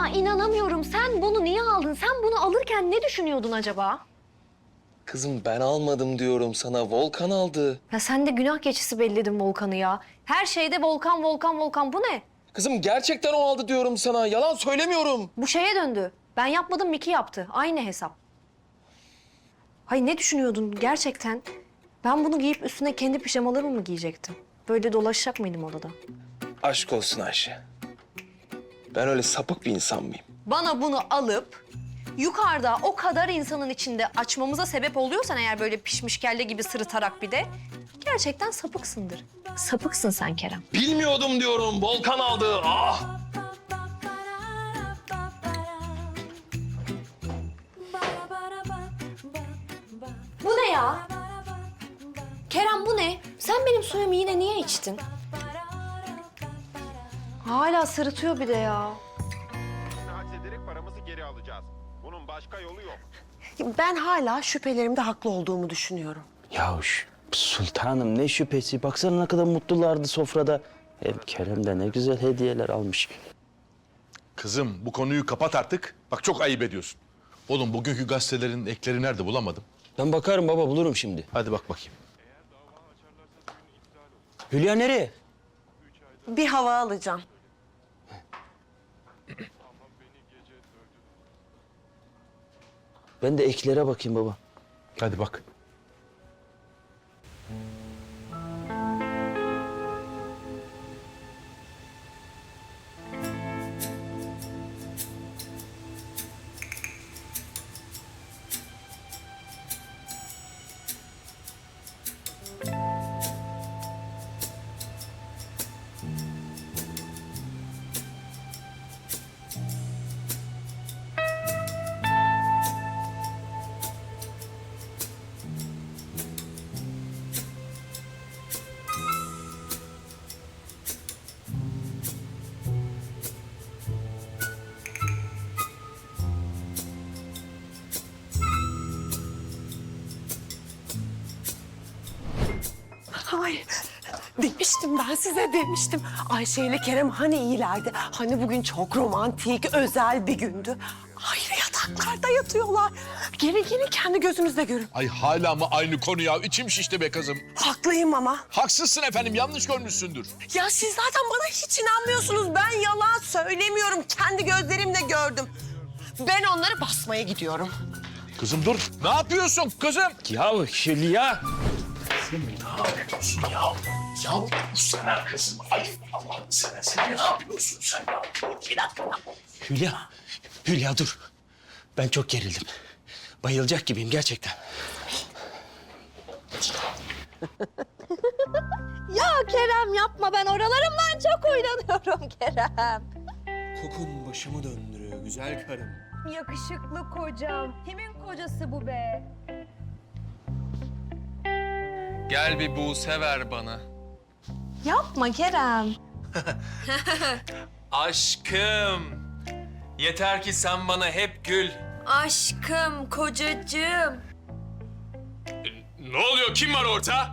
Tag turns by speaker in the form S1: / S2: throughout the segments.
S1: Ya inanamıyorum. Sen bunu niye aldın? Sen bunu alırken ne düşünüyordun acaba?
S2: Kızım ben almadım diyorum sana. Volkan aldı.
S1: Ya sen de günah keçisi belledin Volkan'ı ya. Her şeyde Volkan, Volkan, Volkan. Bu ne?
S2: Kızım gerçekten o aldı diyorum sana. Yalan söylemiyorum.
S1: Bu şeye döndü. Ben yapmadım, Miki yaptı. Aynı hesap. Hayır ne düşünüyordun gerçekten? Ben bunu giyip üstüne kendi pijamalarımı mı giyecektim? Böyle dolaşacak mıydım odada?
S2: Aşk olsun Ayşe. Ben öyle sapık bir insan mıyım?
S1: Bana bunu alıp yukarıda o kadar insanın içinde açmamıza sebep oluyorsan eğer böyle pişmiş kelle gibi sırıtarak bir de gerçekten sapıksındır. Sapıksın sen Kerem.
S2: Bilmiyordum diyorum. Volkan aldı. Ah!
S1: Bu ne ya? Kerem bu ne? Sen benim suyumu yine niye içtin? Hala sırıtıyor bir de ya.
S3: Haksederek paramızı geri alacağız. Bunun başka yolu yok.
S4: Ben hala şüphelerimde haklı olduğumu düşünüyorum.
S5: Yahuş sultanım ne şüphesi. Baksana ne kadar mutlulardı sofrada. Hem Kerem de ne güzel hediyeler almış.
S6: Kızım bu konuyu kapat artık. Bak çok ayıp ediyorsun. Oğlum bugünkü gazetelerin ekleri nerede bulamadım.
S5: Ben bakarım baba bulurum şimdi.
S6: Hadi bak bakayım.
S5: Hülya nereye?
S4: Bir hava alacağım.
S5: Ben de eklere bakayım baba.
S6: Hadi bak.
S4: Ay, demiştim ben size demiştim. Ayşe ile Kerem hani iyilerdi. Hani bugün çok romantik, özel bir gündü. Ayrı yataklarda yatıyorlar. Gelin kendi gözünüzle görün.
S6: Ay hala mı aynı konu ya? İçim şişti be kızım.
S4: Haklıyım ama.
S6: Haksızsın efendim, yanlış görmüşsündür.
S4: Ya siz zaten bana hiç inanmıyorsunuz. Ben yalan söylemiyorum. Kendi gözlerimle gördüm. Ben onları basmaya gidiyorum.
S6: Kızım dur. Ne yapıyorsun kızım?
S5: Ya Hülya. Hülya dur. Ben çok gerildim. Bayılacak gibiyim gerçekten.
S1: Ya Kerem yapma, ben oralarımdan çok oynanıyorum Kerem.
S2: Kokun başımı döndürüyor güzel karım.
S1: Yakışıklı kocam. Kimin kocası bu be?
S2: Gel bir Buse ver bana.
S1: Yapma Kerem.
S7: Aşkım. Yeter ki sen bana hep gül.
S1: Aşkım, kocacığım.
S7: Ne oluyor? Kim var orada?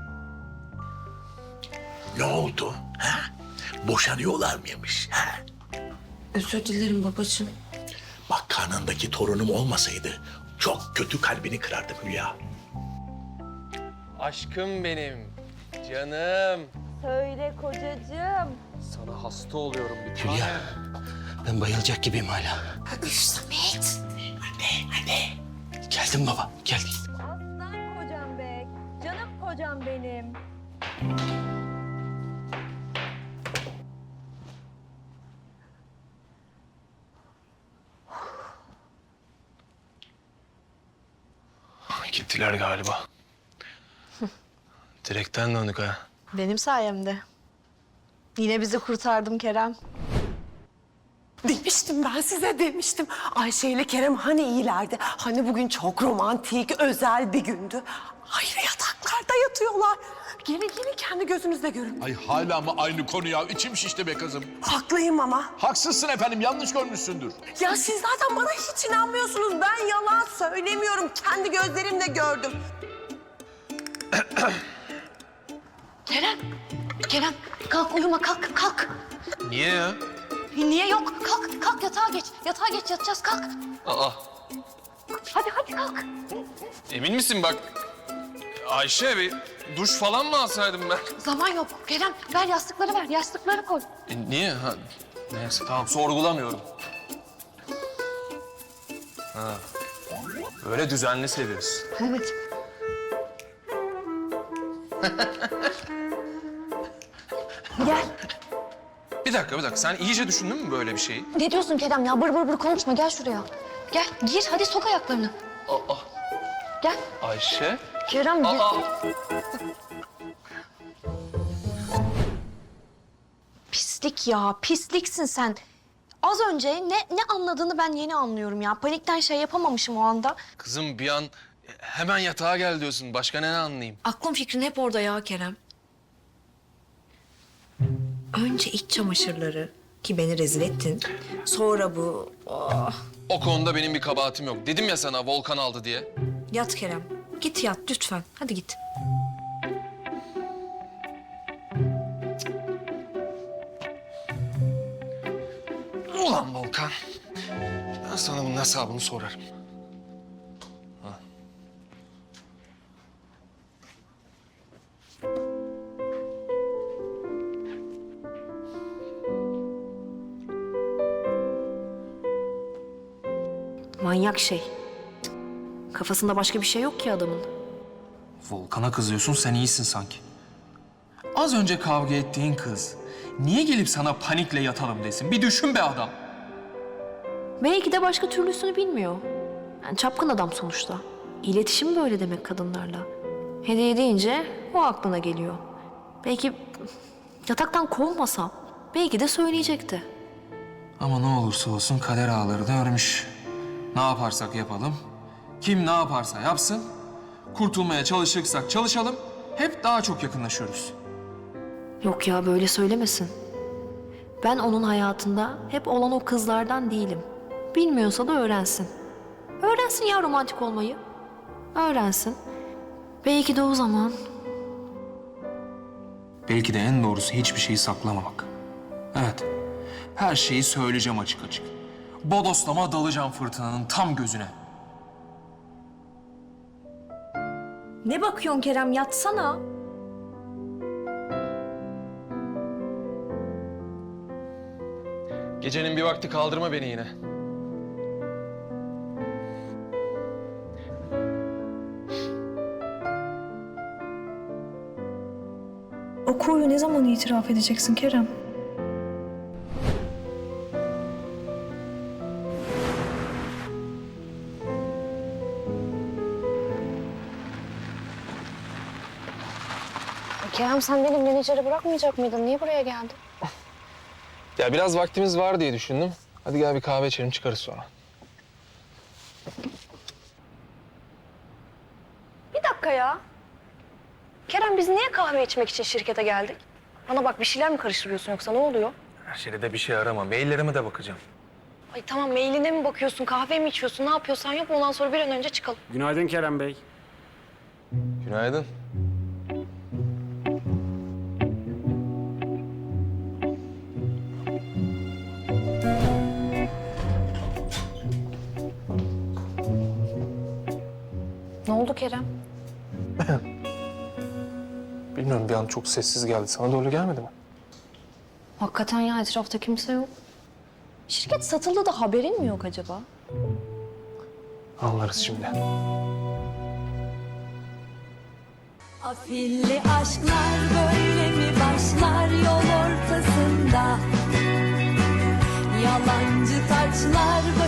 S8: Ne oldu? Ha? Boşanıyorlar mıymış? Ha?
S1: Özür dilerim babacığım.
S8: Bak karnındaki torunum olmasaydı çok kötü kalbini kırardım Hülya.
S2: Aşkım benim. Canım.
S1: Söyle kocacığım.
S2: Sana hasta oluyorum bir
S5: Hülya. Ben bayılacak gibiyim hala.
S1: Samet.
S8: Hadi.
S5: Geldim baba geldim.
S1: Aslan kocam be. Canım kocam benim.
S2: Gittiler galiba. Direkten döndük ha.
S1: Benim sayemde. Yine bizi kurtardım Kerem.
S4: Demiştim ben size demiştim. Ayşe ile Kerem hani iyilerdi. Hani bugün çok romantik, özel bir gündü. Ayrı yataklarda yatıyorlar. Gelin kendi gözünüzle görün.
S6: Ay hala mı aynı konu ya? İçim şişti be kızım.
S4: Haklıyım ama.
S6: Haksızsın efendim, yanlış görmüşsündür.
S4: Ya siz zaten bana hiç inanmıyorsunuz. Ben yalan söylemiyorum. Kendi gözlerimle gördüm.
S1: Kerem kalk uyuma kalk.
S2: Niye ya?
S1: Niye yok? Kalk yatak. yatağa geç. Yatağa geç, yatacağız. Kalk.
S7: Aa,
S1: Hadi kalk.
S7: emin misin bak? Ayşe bir duş falan mı alsaydım ben?
S1: Zaman yok. Kerem ver yastıkları ver. Yastıkları koy.
S7: Niye? Ha, neyse tamam sorgulamıyorum. Ha. Böyle düzenli seviyorsun.
S1: Evet. Gel.
S7: Bir dakika. Sen iyice düşündün mü böyle bir şeyi?
S1: Ne diyorsun Kerem ya? Bır bır bır konuşma. Gel şuraya. Gel gir. Hadi sok ayaklarını.
S7: Aa,
S1: Gel.
S7: Ayşe.
S1: Kerem gir.
S7: Aa.
S1: Pislik ya. Pisliksin sen. Az önce ne anladığını ben yeni anlıyorum ya. Panikten şey yapamamışım o anda.
S7: Kızım bir an hemen yatağa gel diyorsun. Başka ne anlayayım?
S1: Aklım fikrin hep orada ya Kerem. Önce iç çamaşırları ki beni rezil ettin. Sonra bu. Oh.
S7: O konuda benim bir kabahatim yok. Dedim ya sana Volkan aldı diye.
S1: Yat Kerem. Git yat lütfen. Hadi git.
S7: Ulan Volkan. Ben sana bunun hesabını sorarım.
S1: Manyak şey. Kafasında başka bir şey yok ki adamın.
S7: Volkan'a kızıyorsun, sen iyisin sanki. Az önce kavga ettiğin kız niye gelip sana panikle yatalım desin? Bir düşün be adam.
S1: Belki de başka türlüsünü bilmiyor. Yani çapkın adam sonuçta. İletişim böyle demek kadınlarla. Hediye deyince o aklına geliyor. Belki yataktan kovmasam belki de söyleyecekti.
S7: Ama ne olursa olsun kader ağlarını örmüş. Ne yaparsak yapalım, kim ne yaparsa yapsın, kurtulmaya çalışırsak çalışalım, hep daha çok yakınlaşıyoruz.
S1: Yok ya böyle söylemesin. Ben onun hayatında hep olan o kızlardan değilim. Bilmiyorsa da öğrensin. Öğrensin ya romantik olmayı. Öğrensin. Belki de o zaman.
S7: Belki de en doğrusu hiçbir şeyi saklamamak. Evet, her şeyi söyleyeceğim açık açık. Bodoslama dalacağım fırtınanın tam gözüne.
S1: Ne bakıyorsun Kerem yatsana.
S7: Gecenin bir vakti kaldırma beni yine.
S9: O koyu ne zaman itiraf edeceksin Kerem?
S1: Kerem sen benim menajeri bırakmayacak mıydın? Niye buraya geldin?
S7: Ya biraz vaktimiz var diye düşündüm. Hadi gel bir kahve içelim çıkarız sonra.
S1: Bir dakika ya. Kerem biz niye kahve içmek için şirkete geldik? Bana bak bir şeyler mi karıştırıyorsun yoksa ne oluyor?
S7: Her şeyde de bir şey arama. Maillerime de bakacağım.
S1: Ay tamam mailine mi bakıyorsun, kahve mi içiyorsun, ne yapıyorsan yap ondan sonra bir an önce çıkalım.
S10: Günaydın Kerem Bey.
S7: Günaydın.
S1: Ne oldu Kerem?
S7: Bilmiyorum bir an çok sessiz geldi. Sana da öyle gelmedi mi?
S1: Hakikaten ya etrafta kimse yok. Şirket satıldı da haberin mi yok acaba?
S7: Anlarız şimdi.
S11: Afilli aşklar böyle mi başlar yol ortasında? Yalancı taçlar